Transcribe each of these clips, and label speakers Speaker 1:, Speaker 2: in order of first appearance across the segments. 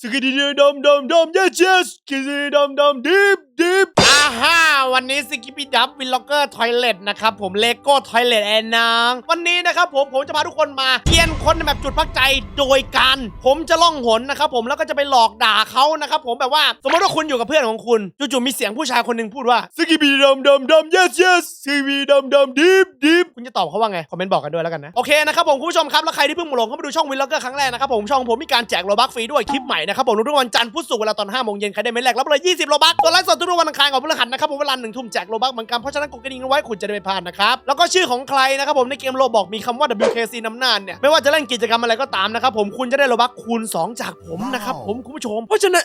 Speaker 1: สกิดดมดมดม yes yes สกิดดมดมดิบวันนี้สกิปปี้ดับวินล็อกเกอร์ทอยเลทนะครับผมเลโก้ทอยเลทแอนนางวันนี้นะครับผมจะพาทุกคนมาเกียนคนในแบบจุดพักใจโดยการผมจะล่องหนนะครับผมแล้วก็จะไปหลอกด่าเขานะครับผมแบบว่าสมมติว่าคุณอยู่กับเพื่อนของคุณจู่ๆมีเสียงผู้ชายคนหนึ่งพูดว่าสกิปปี้ดมดมดม yes yes สกิปปี้ดมดมดิบคุณจะตอบเขาว่าไงคอมเมนต์บอกกันด้วยแล้วกันนะโอเคนะครับผมคุณผู้ชมครับแล้วใครที่เพิ่งมาลงเข้ามาดูช่องวินล็อกเกอร์ครั้งแรกนะครับผมช่องผมมีการแจกโลบัคฟรีด้วยคลิปใหม่นะครับผมทุกวันจันทร์พุธศุกร์เวลาตอน 5 โมงเย็นใครได้เม็ดแรกรับเลย20โลบัคตัวไลฟ์สดทุกวันอังคารของพฤหัสนะครับผมเวลา 1 ทุ่มแจกโลบัคเหมือนกันเพราะฉะนั้นกดกระดิ่งเอาไว้คุณจะได้ไม่พลาดนะครับแล้วก็ชื่อของใครนะครับผมในเกมโลบอกมีคำว่า WKC นำหน้าเนี่ยไม่ว่าจะเล่นกิจกรรมอะไรก็ตามนะครับผมคุณจะได้โลบัคคูณ2จากผมนะครับผมคุณผู้ชมเพราะฉะ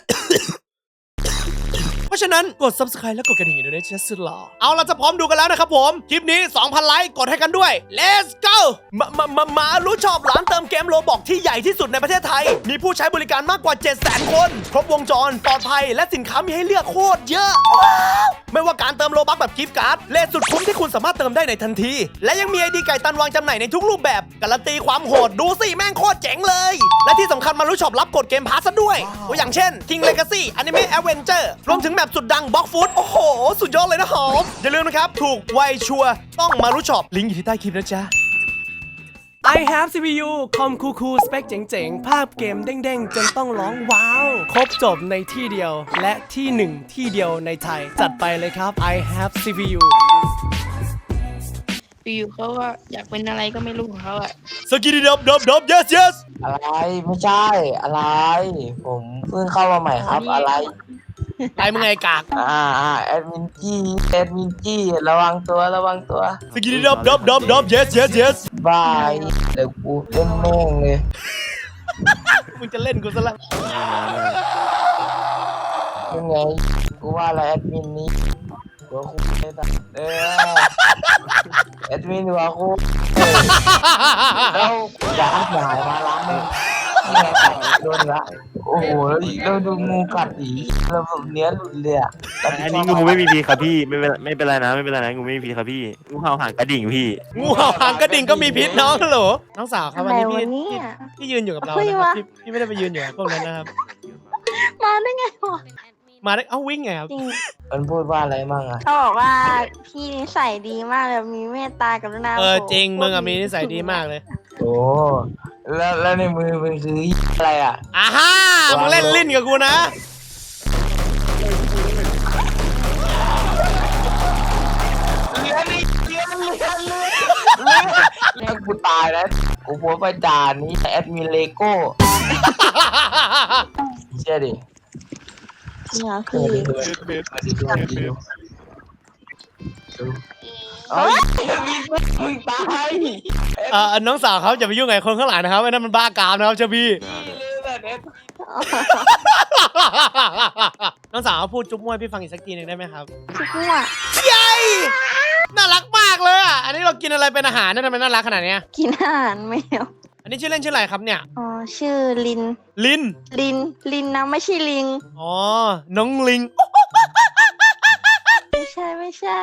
Speaker 1: นั้นกด subscribe แล้วกดกระดิ่งด้วยนะเชสลาเอาเราจะพร้อมดูกันแล้วนะครับผมคลิปนี้ 2,000 ไลค์กดให้กันด้วย let's go มารู้ชอบร้านเติมเกมโลบอกที่ใหญ่ที่สุดในประเทศไทยมีผู้ใช้บริการมากกว่า 700,000 คนครบวงจรปลอดภัยและสินค้ามีให้เลือกโคตรเยอะไม่ว่าการเติมโลบัคแบบกิฟต์การ์ดเลทสุดคุ้มที่คุณสามารถเติมได้ในทันทีและยังมีไอดีไก่ตันวางจำหน่ายในทุกรูปแบบการันตีความโหดดูสิแม่งโคตรเจ๋งเลยและที่สำคัญมารู้ชอบรับกดเกมพาสซะด้วยตัวอย่างเช่น King Legacy Anime Adventure รวมถึงแบบสุดดังบล็อกฟุตโอ้โหสุดยอดเลยนะหอมอย่าลืมนะครับถูกไวชัวร์ต้องมารู้ชอบลิงก์อยู่ที่ใต้คลิปนะจ๊ะ I have CPU คอมคูลสเปคเจ๋งๆภาพเกมเด้งๆจนต้องร้องว้าวครบจบในที่เดียวและที่หนึ่งที่เดียวในไทยจัดไปเลยครับ I have CPU
Speaker 2: อยู่เขาว่าอยากเป็นอะไรก็ไม่รู้ของเขาอะ
Speaker 1: สกิดดบ yes yes
Speaker 3: อะไรไม่ใช่อะไรผมเพิ่งเข้ามาใหม่ครับอะไร
Speaker 1: ไอ้มึงไงกาก
Speaker 3: แอดมินจี้ระวังตัว
Speaker 1: สกิดดบ yes yes yes
Speaker 3: บายเดี๋ยวกูเล่นแม่งเลย
Speaker 1: มึงจะเล่นกูซะละ
Speaker 3: ยังไงกูว่าอะไรแอดมินนี้หัวคู่เลยสัสแอดมินหัวคู่แล้วอยากหายมาล้างเลยนี่ไงกัดโดนละโอ้โหแล้วดูงูกัดอีแล้วแบบเนี้ยหลุดเลยอ่ะ
Speaker 4: อันนี้งูไม่มีพิษครับพี่ไม่เป็นไรนะงูไม่มีพิษครับพี่งูเห่าหางกระดิ่งพี่
Speaker 1: งูเห่าหางกระดิ่งก็มีพิษน้องเหรอน้องสาวครับวันนี้พี่ยืนอยู่กับเรานะครับพี่ไม่ได้ไปยืนอยู่กับพวกนั้นนะครับ
Speaker 2: มาได้ไงวะ
Speaker 1: มาได้วิ่งไงครับ
Speaker 2: จริง
Speaker 3: มันพูดว่าอะไรมั่งอ่ะ
Speaker 2: เขาบอกว่าพี่นิสัยดีมากเลยมีเมตตากรุณา
Speaker 1: จริงมึงอะมีนิสัยดีมากเลย
Speaker 3: โอ้แล้วในมือมันคืออะไรอ่ะ
Speaker 1: อ่าฮ่ามึงเล่นลิ้นกับกูนะ
Speaker 3: ถ้ากูตายแล้วกูโพสต์ประจานนี้แอดมินเลโก้เชื่อดิ
Speaker 2: เนี่ยพี่
Speaker 3: เฮ้ยมึงตาย
Speaker 1: น้องสาวเขาอย่าไปยุ่งกับคนข้างหลังนะครับไอ้นั่นมันบ้ากามนะครับเจ้าพี่ น้องสาวพูดจุ๊บมวยพี่ฟังอีกสักทีหนึ่งได้ไหมครับ
Speaker 2: ชุกมั่ว
Speaker 1: ใหญ่น่ารักมากเลยอ่ะอันนี้เรากินอะไรเป็นอาหารเนี่ยทำไมน่ารักขนาดเนี้ย
Speaker 2: กินอาหารแมว
Speaker 1: อันนี้ชื่อเล่นชื่ออะไรครับเนี่ย
Speaker 2: อ๋อชื่อลิน
Speaker 1: ลิน
Speaker 2: ลินนะไม่ใช่ลิง
Speaker 1: อ๋อน้องลิง
Speaker 2: ไม่ใช่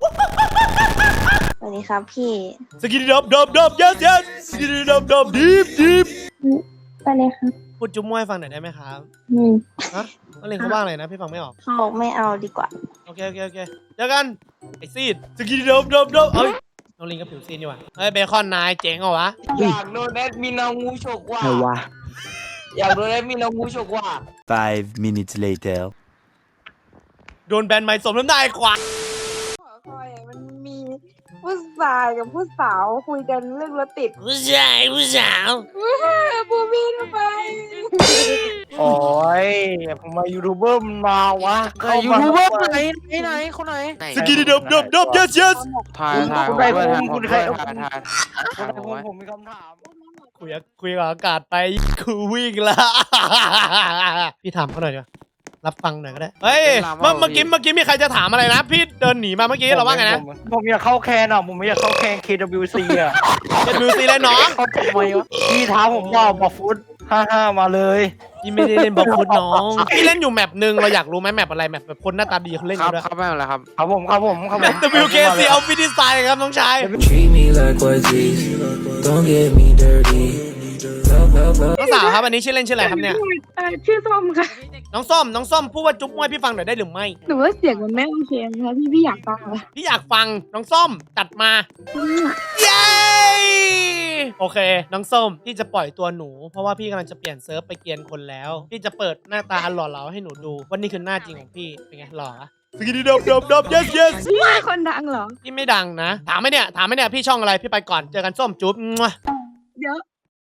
Speaker 2: สวัสดีครับพี่
Speaker 1: สกิดดบ yes yes สกิดดบดิบ
Speaker 2: ไปเลยครับ
Speaker 1: พูดจุ๊บมวยฟังหน่อยได้ไหมครับฮะน้องลิงเขาบ้างเลยนะพี่ฟังไม่ออก
Speaker 2: เขาบอกไม่เอาดีกว่า
Speaker 1: โอเคเจอกันไอซีดสกิดดบเอ้ยน้องลิงก็ผิวซีดนี่หว่าเฮ้ยเบคอนนายเจ๋งเหรอวะ
Speaker 3: อยากโดนแอดมินเอางูฉกว่ะอยากโดนแอดมินเอางูฉกว่ะ
Speaker 5: 5 minutes later
Speaker 1: โดนแบนไม่สมน้ำหน้าไอ้ขวา
Speaker 6: คอยมันมีผู้ชายกับผู้สาวคุยกันเรื่องรถติด
Speaker 1: ผู้สาว
Speaker 6: บูบี้ทำไม
Speaker 3: โอ้ยผมมายูทูบเบอร์มันมาวะ
Speaker 4: ยูทูบเบอร์ไหนคนไหน
Speaker 1: สกิดดบ yes yes
Speaker 4: ถ่าย
Speaker 3: คุณใคร
Speaker 4: ผมมีคำถาม
Speaker 1: คุยกับอากาศไปกูวิ่งละ พี่ถามเขาหน่อยดีกว่ารับฟังหน่อยก็ได้เฮ้ยเมื่อกี้มีใครจะถามอะไรนะพี่เดินหนีมาเมื่อกี้เราว่าไงนะ
Speaker 3: ผมอยากเข้าแคนอ่ะผมไม่อยากเข้าแคน KWC อ่ะ
Speaker 1: เป็นมิวซีเลยน้อง
Speaker 3: เขาทำไมวะพี่ท้าผมว่าบอกฟุต55มาเลย
Speaker 1: พี่ไม่ได้เล่นบอลฟุตน้องพี่เล่นอยู่แมปหนึ่งเราอยากรู้ไหมแมปอะไรแมปแบบคนหน้าตาดีเขาเล่นกันด้วย
Speaker 4: ครับไม่เป็นไรครับ
Speaker 3: ครับผม
Speaker 1: แมป WKC เอาฟินิสไตล์ครับน้องชาย
Speaker 7: Treat me like what's easy. Don't get me dirty. Love
Speaker 1: น้องสาวครับอันนี้ชื่อเล่นชื่ออะไรครับเนี่ย
Speaker 6: ชื่อส้มค่ะ
Speaker 1: น้องส้มพูดว่าจุ๊บมวยพี่ฟังหน่อยได้หรือไม่
Speaker 6: หนูว่าเสียงมันไม่โอเคนะคะพี่อยากฟังเหรอ
Speaker 1: พี่อยากฟังน้องส้มจัดมาเย้โอเคน้องส้มพี่จะปล่อยตัวหนูเพราะว่าพี่กำลังจะเปลี่ยนเซิร์ฟไปเกียนคนแล้วพี่จะเปิดหน้าตาอันหล่อเหลาให้หนูดูว่านี่คือหน้าจริงของพี่เป็นไงหล่ออะสกิดดบ yes yes
Speaker 6: พี่เป็นคนดังเหรอ
Speaker 1: พี่ไม่ดังนะถามไหมเนี่ยพี่ช่องอะไรพี่ไปก่อนเจอกันส้มจุ๊บมั่ว
Speaker 6: เดี๋ยว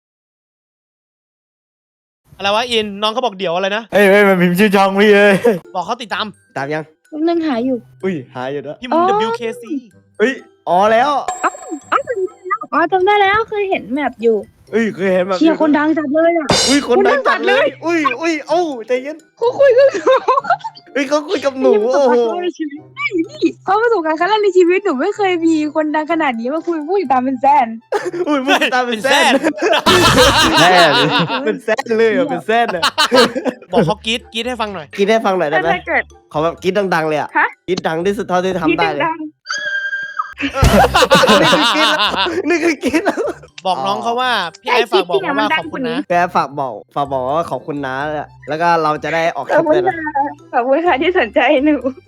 Speaker 1: อะไรวะอินน้องเขาบอกเดี๋ยวอะไรนะ
Speaker 7: เฮ้ยมันพิมพ์ชื่อช่องพี่เลย
Speaker 1: บอกเขาติดตาม
Speaker 7: ตามยัง
Speaker 6: กำลังหาอยู่
Speaker 7: อุ้ยหายอยู่แล้ว
Speaker 1: พิมพ์ WKC
Speaker 7: เฮ้ยอ๋อแล้ว
Speaker 6: อ๋อจำได้แล้วเคยเห็นแมปอยู่
Speaker 7: เฮ้ยเคยเห็นแบบ
Speaker 6: เชียร์คนดังจัดเลยอ่ะ
Speaker 7: อุ้ยคนดัง
Speaker 6: คนดังจั
Speaker 7: จัด
Speaker 6: ด
Speaker 7: เล
Speaker 6: เลย ย
Speaker 7: อุ้ยเอ้าใจเย็น
Speaker 6: เขาคุยกัน
Speaker 7: เฮ้ยเขาคุยกับหนู
Speaker 6: นี่
Speaker 7: โอ้โห
Speaker 6: ในชีวิตนี่เขาประสบการณ์ครั้งแรกในชีวิตหนูไม่เคยมีคนดังขนาดนี้มาคุยพูดตามเป็นแสน
Speaker 7: อุ้ยมึงตามเป็นแซน
Speaker 4: แน่เลย
Speaker 7: เป็นแซนเลยอ่ะเป็นแซนอ่ะ
Speaker 1: บอกเขากรีดให้ฟังหน่อย
Speaker 7: กินให้ฟังหน่อยได้ไหม
Speaker 6: ถ้าเกิด
Speaker 7: ขอแบบกินดังๆเลยอ่ะ
Speaker 6: ฮะ
Speaker 7: กินดังที่สุดเท่าที่
Speaker 6: ที่
Speaker 7: ทำได้เลย
Speaker 6: ดัง
Speaker 7: นี่คือกินแล้ว
Speaker 1: บอกน้องเขาว่าพี่ไอ้ฝากบอกเขาว่าขอบคุณนะ
Speaker 7: แกฝากบอกว่าขอบคุณนะแล้วก็เราจะได้ออกค
Speaker 6: ขอ
Speaker 7: ลิ
Speaker 6: บ
Speaker 7: ป
Speaker 6: คุ
Speaker 7: เล
Speaker 6: ณ
Speaker 7: ยนะ
Speaker 6: ค่ะขอบคุณค่ะที่สนใจหนู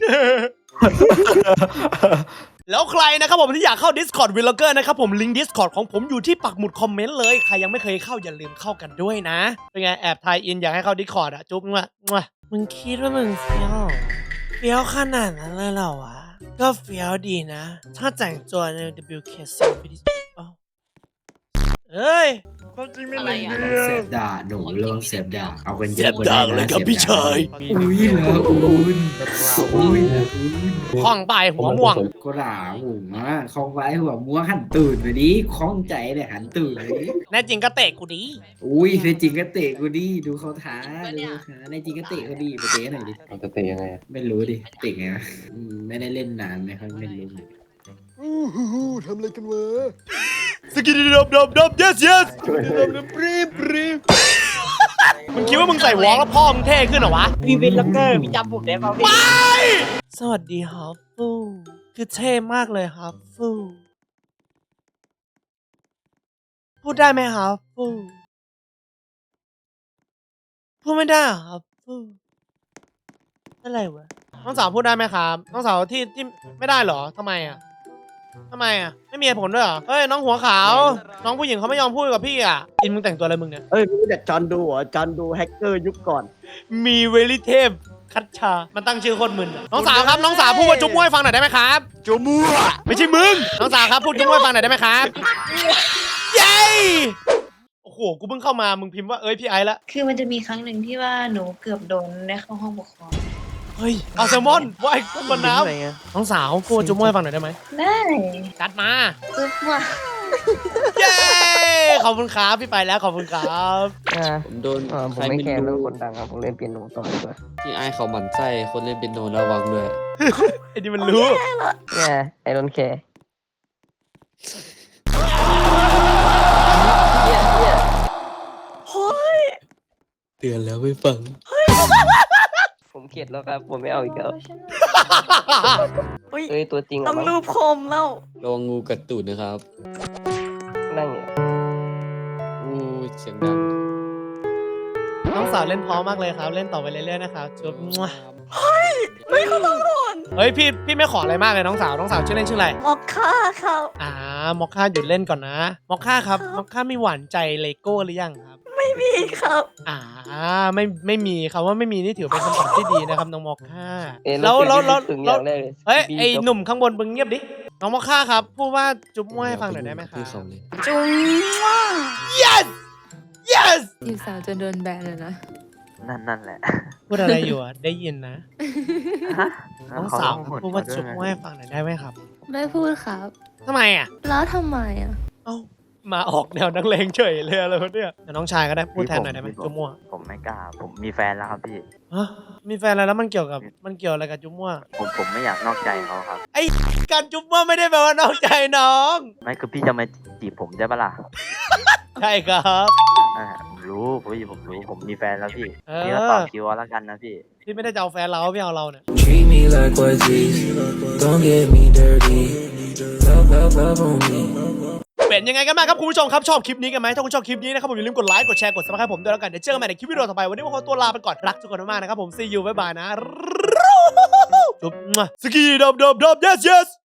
Speaker 1: แล้วใครนะครับผมที่อยากเข้า Discord Vlogger นะครับผมลิงก์ Discord ของผมอยู่ที่ปักหมุดคอมเมนต์เลยใครยังไม่เคยเข้าอย่าลืมเข้ากันด้วยนะเป็นไงแอบทายอินอยากให้เข้า Discord อะจุ๊บมั่วมึงคิดว่ามึงเฟี้ยวขนาดนั้นเลยเหรอวะก็เฟี้ยวดีนะ ถ้าแต่งตัวใน WKC ไปดิเอ้ย
Speaker 8: อะไรอ่ะ
Speaker 9: เสพด่าหนูเรื่องเสพด่าเอากันเย
Speaker 1: เส
Speaker 9: อะ
Speaker 1: พด่าเลยครับพี่ชาย
Speaker 9: อุ้ยเหรอคุณอุ้ยเหรอคุณ
Speaker 1: คล้องไปหัวม่วง
Speaker 9: ก็ด่าผมอ่ะคล้องไว้หัวม่วงหันตื่นไปดิคล้องใจเลยหันตื่นเลย
Speaker 1: แน่จริงก็เตะกูดี
Speaker 9: อุ้ยในจริงก็เตะกูดิดูเขาท้าดูเขาท้าในจริงก็เตะเขาดิไปเตะหน่อยดิ
Speaker 3: มันจะเตะยังไง
Speaker 9: ไม่รู้ดิเตะไงวะไม่ได้เล่นนานไม่ค่อยไม่รู้
Speaker 7: ทำอะไรกันวะ
Speaker 1: สกิดดบ yes yes มึงคิดว่ามึงใส่วอล์กแล้วพ่อมึงเท่ขึ้นเหรอวะ
Speaker 3: พี่เป็นล็อกเกอร์พี่จำผมได้ป่าวพี่
Speaker 1: สวัสดีครับฟูคือเท่มากเลยครับฟูพูดได้ไหมครับฟูพูดไม่ได้เหรอครับฟูอะไรวะน้องสาวพูดได้ไหมครับน้องสาวที่ไม่ได้เหรอทำไมอ่ะไม่มีเหตุผลด้วยเหรอเฮ้ยน้องหัวขาวน้องผู้หญิงเขาไม่ยอมพูดกับพี่อ่ะอินมึงแต่งตัวอะไรมึงเนี่ย
Speaker 7: เอ้ยรู้จักจอนดูเหรอจอนดูแฮกเกอร์ยุคก่อน
Speaker 1: มีเวลิเทพคัตชา มันตั้งชื่อโคตรมึนอะน้องสาวครับ น้องสาวพูดว่าจุ๊บมวยฟังหน่อยได้ไหมครับ จุ๊บมวยไม่ใช่มึง น้องสาวครับพูดจุ๊บมวยฟังหน่อยได้ไหมครับ เย้ โอ้โห กูเพิ่งเข้ามา มึงพิมพ์ว่าเอ้ยพี่ไอ้ละ
Speaker 8: คือมันจะมีครั้งหนึ่งที่ว่าหนูเกือบโดนได้เข้าห้องปกครอง
Speaker 1: เฮ้ยเอาแซลมอนว่ายกุ้งบนน้ำน้องสาวพูดว่าจุ๊บมวยฟังหน่อยได้ไหม
Speaker 8: ได้
Speaker 1: จัดมา
Speaker 8: ซุปว่า
Speaker 1: เย้ ขอบคุณครับพี่ไปแล้วขอบคุณครับ
Speaker 3: ผมโดนผมไม่แคร์เรื่องคนดังครับผมเล่นเปียโนต่อดีกว่า
Speaker 10: ที่ไอ้เขาหมั่นไส้คนเล่นเปียโนระวังด้วย
Speaker 1: ไอ้นี่มันรู้
Speaker 3: เนี่ยไอรอนแคร์
Speaker 10: เตือนแล้วไม่ฟัง
Speaker 3: ผมเข็ดแล้วครับผมไม่เอาอีกแล้วเอ้ยตัวจริงเหรอ
Speaker 2: ต้องรูปคมแล้ว
Speaker 10: ระวังงูกัดตูดนะครับ
Speaker 3: นั่งเนี่ย
Speaker 10: อู้เสียงดัง
Speaker 1: น้องสาวเล่นเพร้อมมากเลยครับ เล่นต่อไปเรื่อยๆนะครับจุ๊บมั่ว
Speaker 2: ไม่เขาต้องโดน
Speaker 1: เฮ้ยพี่ไม่ขออะไรมากเลยน้องสาวชื่อเล่นชื่ออะไร
Speaker 2: มอคค่าครับ
Speaker 1: มอคค่าหยุดเล่นก่อนนะ มอคค่าครับ มอคค่ามีหวานใจเลโก้หรือยังครับ
Speaker 2: ไม่มีครับ
Speaker 1: ไม่มีครับว่าไม่มีนี่ถือเป็นคำตอบที่ดีนะครับน้องมอคค่า
Speaker 3: แล้ว
Speaker 1: แล้ว
Speaker 3: อย่างแรกเลย
Speaker 1: เฮ้ยไอหนุ่มข้างบนมึงเงียบดิ น้องมอคค่าครับพูดว่าจุ๊บมั่วให้ฟังหน่อยได้ไหมครับ
Speaker 10: พูดเขาเลย
Speaker 2: จุ๊ว่า
Speaker 1: yes yes
Speaker 11: จีบสาวจนโดนแบนเลยนะ
Speaker 3: นั่นแหละ
Speaker 1: พูดอะไรอยู่อ่ะได้ยินนะ น้องสาวครับพูดว่าจุ๊บมั่วให้ฟังหน่อยได้ไหมครับ
Speaker 11: ไม่พูดครับ
Speaker 1: ทำไมอ่ะ
Speaker 11: แล้วทำไมอ่ะ
Speaker 1: เอ้ามาออกแนวนักเลงเฉยเลยอะไรวะเนี่ยน้องชายก็ได้พูดแทนหน่อยได้ไหมจุ๊บมั่ว
Speaker 4: ผมไม่กล้าผมมีแฟนแล้วครับพี่
Speaker 1: ฮะมีแฟนอะไรแล้วมันเกี่ยวอะไรกับจุ๊บมั่ว
Speaker 4: ผมไม่อยากนอกใจเขาครับ
Speaker 1: ไอ้การจุ๊บมั่วไม่ได้แปลว่านอกใจน้อง
Speaker 4: ไม่คือพี่จะมาจีบผมใช่ปะล่ะ
Speaker 1: ใช่ครับ
Speaker 4: ผมรู้ผมรู้ผมมีแฟนแล้วพี่
Speaker 1: เออ
Speaker 4: พี่ก็ต่อคิวเอาแล้วกันนะพี่
Speaker 1: พี่ไม่ได้จะเอาแฟนเราพี่เอาเราเนี่ย
Speaker 10: Treat me like what's this Don't get me dirty Love on me
Speaker 1: เป็นยังไงกันบ้างครับคุณผู้ชมครับชอบคลิปนี้กันไหมถ้าคุณชอบคลิปนี้นะครับผมอย่าลืมกดไลค์กดแชร์กด Subscribe ผมด้วยแล้วกันเดี๋ยวเจอกันใหม่ในคลิปวิดีโอต่อไปวันนี้ผมขอตัวลาไปก่อนรักทุกคนมากๆนะครับผม see you บ๊ายบายนะจุ๊บสกีดับ yes yes